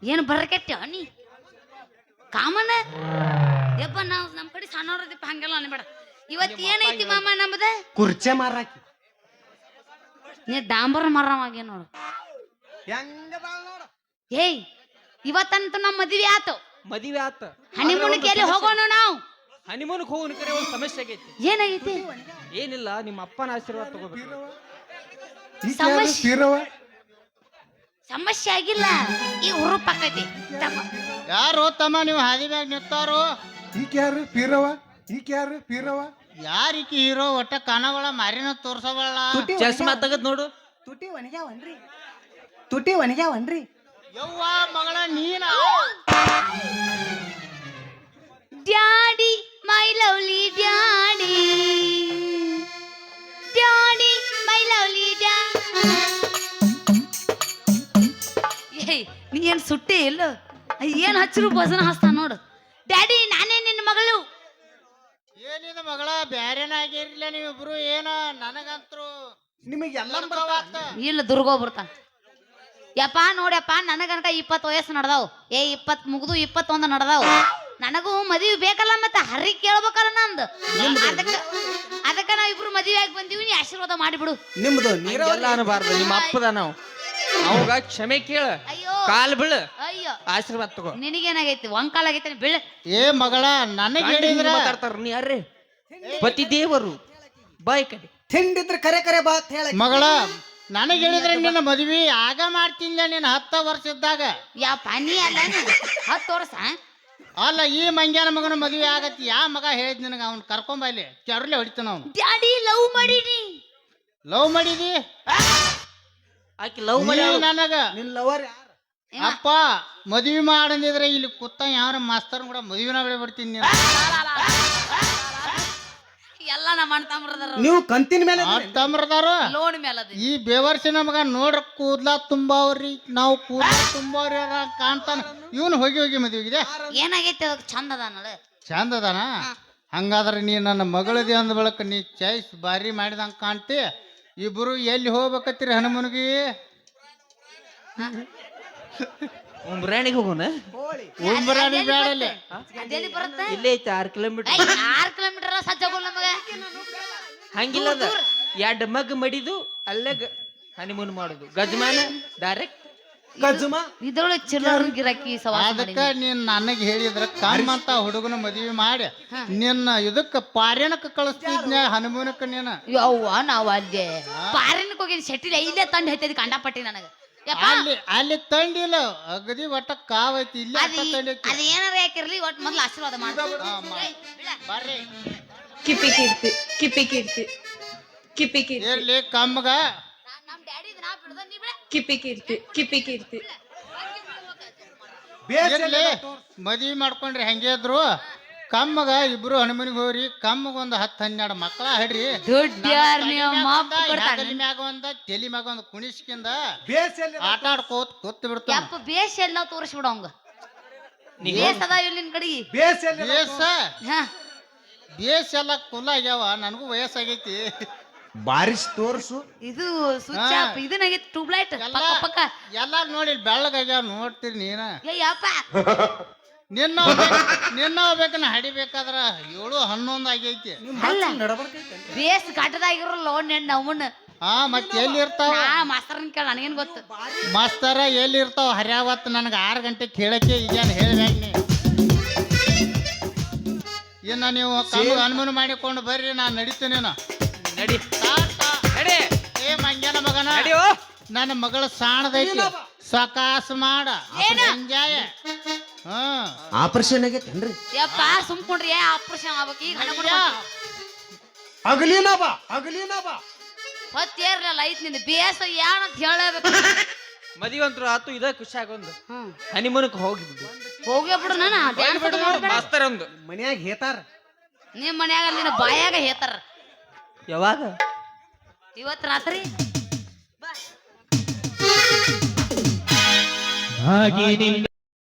ಏನು ಬರಕೆಟ್ಟ ನೀ ಕಾಮನ ಯಪ್ಪ ನಾವು ನಮ್ಮ ಕಡೆ ಸಣ್ಣವ್ರದಿಪ್ಪ ಹಂಗೆಲ್ಲ ಅನ್ಬೇಡ. ಇವತ್ತು ಏನೈತಿ ಮಾಮ ನಮ್ದ ಕುರ್ಚೆ ಮಾರಾಕಿ ನೀ ಡಾಂಬರ್ ಮರವಾಗೆ ನೋಡು. ಏಯ್ ಇವತ್ತಂತೂ ನಮ್ಮ ಮದುವೆ ಆತು. ಮದುವೆ ಆತ, ಹನಿಮೂನ್ಗೆ ಎಲ್ಲಿ ಹೋಗೋಣ ನಾವು? ಹನಿಮೂನ್ಗೆ ಹೋಗೋಣ ಕರೆ ಒಂದು ಸಮಸ್ಯೆ ಆಗೈತಿ. ಏನಾಗೈತಿ? ಏನಿಲ್ಲ, ನಿಮ್ಮ ಅಪ್ಪನ ಆಶೀರ್ವಾದ ತಗೋಬೇಕು. ಸಮಸ್ಯೆ ಆಗಿಲ್ಲ, ಈಗ ಹುರುಪ್ ಆಕೈತಿ. ಯಾರು ತಮ್ಮ ನೀವು ಹಾದಿ ಮ್ಯಾಗ ನಿಂತಾರು? ಈಕೆ ಯಾರು ಪೀರವ? ಈಕೆ ಯಾರು ಪೀರವ? ಯಾರಿಕಿ ಹೀರೋ? ಒಟ್ಟ ಕನಗಳ ಮಾರಿನ ತೋರ್ಸವಳ. ಚಸ್ಮಾ ತಗದ್ ನೋಡು. ತುಟಿ ಒಣಗ್ಯಾವನ್ರಿ, ತುಟಿ ಒಣಗ್ಯಾವನ್ರಿ. ಯವ್ವ ಮಗಳ ನೀನ daddy my lovely daddy, daddy my lovely daddy. ಏಯ್ ನೀ ಏನ್ ಸುಟ್ಟಿ ಇಲ್ಲ? ಏನ್ ಹಚ್ಚರು ಭಜನ ಹಸ್ತ ನೋಡು. ಡ್ಯಾಡಿ ನಾನೇ ನಿನ್ನ ಮಗಳು. ಏನಿದ ಮಗಳ ಬ್ಯಾರೇನಾಗಿರ್ಲಿಲ್ಲ ನೀವಿಬ್ರು? ಏನ ನನಗಂತ್ರು ನಿಮಗೆ ಎಲ್ಲ ಇಲ್ಲ ದುರ್ಗೋ ಬರ್ತಾನ. ಯಪ್ಪ ನೋಡ್ಯಪ್ಪ, ನನಗನಕ 20 ವಯಸ್ಸು ನಡ್ದಾವ್. 20 ಮುಗ್ದು 21 ನಡ್ದಾವ್. ನನಗೂ ಮದುವೆ ಬೇಕಲ್ಲ, ಮತ್ತೆ ಹರಿ ಕೇಳ್ಬೇಕಲ್ಲ ನಂದು. ಅದಕ್ಕ ನಾವಿಬ್ರು ಮದುವೆ ಆಗಿ ಬಂದೀವಿ, ನೀ ಆಶೀರ್ವಾದ ಮಾಡಿಬಿಡು. ನಿಮ್ದು ಎಲ್ಲ ಅನ್ಬಾರ್ದು. ನಿಮ್ಮ ಅಪ್ಪದ ನಾವು ಅವಾಗ ಕ್ಷಮೆ ಕೇಳ, ಅಯ್ಯೋ ಕಾಲ್ ಬೀಳ, ಅಯ್ಯೋ ಆಶೀರ್ವಾದ ತಗೋ. ನಿನಗೇನಾಗೈತಿ? ಒಂಕಾಲ್ ಆಗೈತಿ ಬೀಳ. ಏ ಮಗಳ ನನಗೆ ಹೇಳಿದ್ರ ಮಾತಾಡ್ತಾರ. ನೀ ಯಾರೇ? ಪತಿ ದೇವರು ಬಾಯ್ ಕಡೆ ತಿಂಡಿದ್ರ ಕರೆ ಕರೆ ಬಾತ್ ಹೇಳ. ಮಗಳ ನನಗೆ ಹೇಳಿದ್ರೆ ನಿನ್ನ ಮದ್ವಿ ಆಗ ಮಾಡ್ತಿಲ್ಲ ನೀನ್ 10 ವರ್ಷ ಇದ್ದಾಗ. ಯಪ್ಪ ನೀ ಅಲ್ಲ 10 ವರ್ಷ? ಅಲ್ಲ, ಈ ಮಂಗ್ಯಾನ ಮಗನ ಮದ್ವೆ ಆಗತ್ತಿ. ಯಾ ಮಗ ಹೇಳಿದ್ ನಿನಗ? ಅವ್ನ್ ಕರ್ಕೊಂಬ ಇಲ್ಲಿ ಕೆರಲೆ ಹೊಡಿತಾನ ಅವ್ನು. ಡ್ಯಾಡಿ ಲವ್ ಮಾಡೀನಿ. ಲವ್ ಮಾಡಿದಿ? ಆಕಿ ಲವ್ ಮಾಡಿ ನೀವ್ ನನಗ ನಿನ್ ಲವರ್ ಯಾರು? ಅಪ್ಪ ಮದ್ವಿ ಮಾಡಂದಿದ್ರೆ ಇಲ್ಲಿ ಕೂತ ಯಾರ ಮಾಸ್ತರ್ ಕೂಡ ಮದ್ವಿನ ಬಿಡ್ತೀನಿ ನೀನು. ಎಲ್ಲ ನಮ್ಮ ಅಣ್ಣ ತಮ್ಮರದಾರ, ನೀವು ಕಂತಿನ ಮೇಲೆ ತಮ್ರದಾರ. ಲೋನ್ ಮೇಲೆ ಅದ. ಈ ಬೇವರ್ಸಿನ ಮಗ ನೋಡ್ರ ಕೂದ್ಲಾ ತುಂಬಾವ್ರಿ, ನಾವು ಕೂದ್ಲಾ ತುಂಬಾವ್ರಿ ಕಾಣ್ತಾನ. ಇವನು ಹೋಗಿ ಹೋಗಿ ಮದ್ವಿಗಿದೆ. ಏನಾಗೈತಿ? ಅದಕ್ಕೆ ಚಂದ ಅದಾನಲ್ಲ. ಚಂದ ಅದಾನ? ಹಂಗಾದ್ರೆ ನೀ ನನ್ನ ಮಗಳದಿ ಅಂದ ಬಳಕ ನೀ ಚಾಯ್ಸ್ ಬಾರಿ ಮಾಡಿದಂಗ ಕಾಣ್ತಿ. ಇಬ್ರು ಎಲ್ಲಿ ಹೋಗ್ಬೇಕತ್ತೀರಿ ಹನುಮನಿಗೆ? ಉಮ್ರಾಣಿಗೆ ಹೋಗೋಣ. ಉಂಬರಾಣಿ ಬೇಡಲ್ಲಿ. ಅದೆಲ್ಲಿ ಬರುತ್ತೆ? ಇಲ್ಲೇ ಐತೆ 6 ಕಿಲೋಮೀಟರ್. 6 ಕಿಲೋಮೀಟರ್ ಸಜ್ಜಗೋಲ್ ನಮಗ. ಹಂಗಿಲ್ಲ, ಅದ 2 ಮಗ್ ಮಡಿದು ಅಲ್ಲೇ ಹನಿಮೂನ್ ಮಾಡುದು. ಗಜಮಾನ ಡೈರೆಕ್ಟ್ ಗಜಮ ಇದ್ರೊಳಗೆ ಚಿಲ್ಲರ್ ಗಿರಾಕಿ ಸವಾಸ ಅದಕ್ಕ ನೀನ್ ನನಗೆ ಹೇಳಿದ್ರ ಕಮ್ಮಂತ ಹುಡುಗನ ಮದ್ವಿ ಮಾಡಿ ನಿನ್ನ ಇದಕ್ಕ ಪಾರ್ಯನಕ್ಕೆ ಕಳಿಸ್ತಿದ್ನ ಹನುಮೂನಕ್ಕ. ನೀನ ಯವ್ವ ನಾವ್ ಅಲ್ಲಿ ಪಾರಿನಕ್ಕೆ ಹೋಗಿ ಶೆಟ್ಟಿಲಿ ಇಲ್ಲೇ ತಂಡ ಐತಿ ಕಂಡಪಟ್ಟಿ ನನಗ. ಅಲ್ಲಿ ಅಲ್ಲಿ ತಂಡಿಲ್ಲ ಅಗದಿ ಒಟ್ಟ ಕಾವೈತಿ. ಇಲ್ಲಿ ಅದು ಏನಾರ ಯಾಕಿರ್ಲಿ, ಒಟ್ಟು ಮೊದ್ಲು ಆಶೀರ್ವಾದ ಮಾಡ. ಬರ್ರಿ ಕಿಪಿ ಕೀರ್ತಿ, ಕಿಪಿ ಕೀರ್ತಿ, ಕಿಪಿ ಕೀರ್ತಿ, ಇರ್ಲಿ ಕಮ್ಮಗ. ನಮ್ ಡ್ಯಾಡಿ ನಾ ಬಿಡ್ದ ನೀ ಬಿಡ. ಕಿಪಿ ಕೀರ್ತಿ, ಕಿಪಿ ಕೀರ್ತಿ. ಇರ್ಲಿ ಮದ್ವಿ ಮಾಡ್ಕೊಂಡ್ರಿ ಹೆಂಗೆ ಇದ್ರು ಕಮ್ಮಗ ಇಬ್ರು ಹನುಮನಿಗೆ ಹೋಗ್ರಿ. ಕಮ್ಮಗ ಒಂದು 10-12 ಮಕ್ಕಳ ಹಿಡ್ರಿ. ತಲೆ ಮ್ಯಾಗ ಒಂದ ತಲಿ ಮ್ಯಾಗ ಒಂದು ಕುಣಿಸ್ಕಿಂದ ಆಟ ಆಡ್ಕೋತ ಕೂತ್ ಬಿಡ್ತಾನ. ಯಪ್ಪ ಬೇಸ್ ಎಲ್ಲ ತೋರಿಸ್ಬಿಡ ಅವಂಗ. ಬೇಸ್ ಅದ ಇಲ್ಲಿನ ಕಡೆಗೆ ಬೇಸ ಹಾ ಬೇಸ್ ಎಲ್ಲ ಕುಲ್ಲ ಆಗ್ಯಾವ. ನನಗೂ ವಯಸ್ಸಾಗೈತಿ. ಬಾರಿಸ್ ತೋರ್ಸು. ಇದು ಸ್ವಿಚ್ ಆಫ್ ಇದನ್ನಾಗೈತಿ. ಟ್ಯೂಬ್ಲೈಟ್ ಪಕ್ಕ ಪಕ್ಕ ಎಲ್ಲ ನೋಡಿ ಬೆಳ್ಳಗಾಗ್ಯಾವ. ನೋಡ್ತೀರಿ ನೀನ? ಯಪ್ಪ ನಿನ್ನ ಹೋಗ್ಬೇಕನ್ನ ಹಡಿಬೇಕಾದ್ರ 7-11 ಆಗೈತಿ. ಬೇಸ್ ಘಟದಾಗಿರಲ್ಲ ನಮ್ಮನ್ನ. ಹಾ ಮತ್ತೆ ಎಲ್ಲಿ ಇರ್ತಾವ? ಮಾಸ್ತರ್ನ ಕೇಳ, ನನಗೇನ್ ಗೊತ್ತು? ಮಾಸ್ತರ ಎಲ್ಲಿ ಇರ್ತಾವ? ಹರ್ಯಾವತ್ ನನಗೆ 6 ಗಂಟೆಗೆ ಕೇಳಕ್ಕೆ ಈಗೇನು ಹೇಳ್ಬೇಕು ನೀ? ಇನ್ನ ನೀವು ಕಮ್ಮಗ ಅನುಮಾನ ಮಾಡಿಕೊಂಡು ಬರ್ರಿ, ನಾನು ನಡೀತೇನೇನ. ನಡಿ ನಡಿ. ಏ ಮಂಗ್ಯನ ಮಗನ, ನಡಿಯೋ. ನನ್ನ ಮಗಳ ಸಾಣದೈತಿ, ಸಕಾಸ ಮಾಡ ಎಂಜಾಯ. ಆಪರೇಷನ್ ಆಗೈತೇನ್ರಿ? ಯಪ್ಪ ಸುಮ್ಕೊಂಡ್ರಿ, ಆಪರೇಷನ್ ಆಗ್ಬೇಕು ಈಗ. ಹಗಲಿನ ಬಾ, ಹಗಲಿನ ಬಾ. ಹೊತ್ತೇರ್ಲಿಲ್ಲ ಐತ್ ನಿಂದ ಬೇಸ ಏನಂತ ಹೇಳಬೇಕು. ಮದುವೆ ಅಂತೂ ಆತು. ಇದ ಖುಷಿ ಆಗೊಂದು ಹನಿಮೂನ್ಕ್ ಹೋಗಿದ್ದು ಹೋಗೇ ಬಿಡು. ನಾನು ಮಾಸ್ತರ್ ಒಂದು ಮನ್ಯಾಗ ಹೇತಾರ. ನಿಮ್ ಮನ್ಯಾಗ ನಿನ್ನ ಬಾಯಾಗ ಹೇತಾರ. ಯಾವಾಗ? ಇವತ್ತು ರಾತ್ರಿ ಹಾಗೆ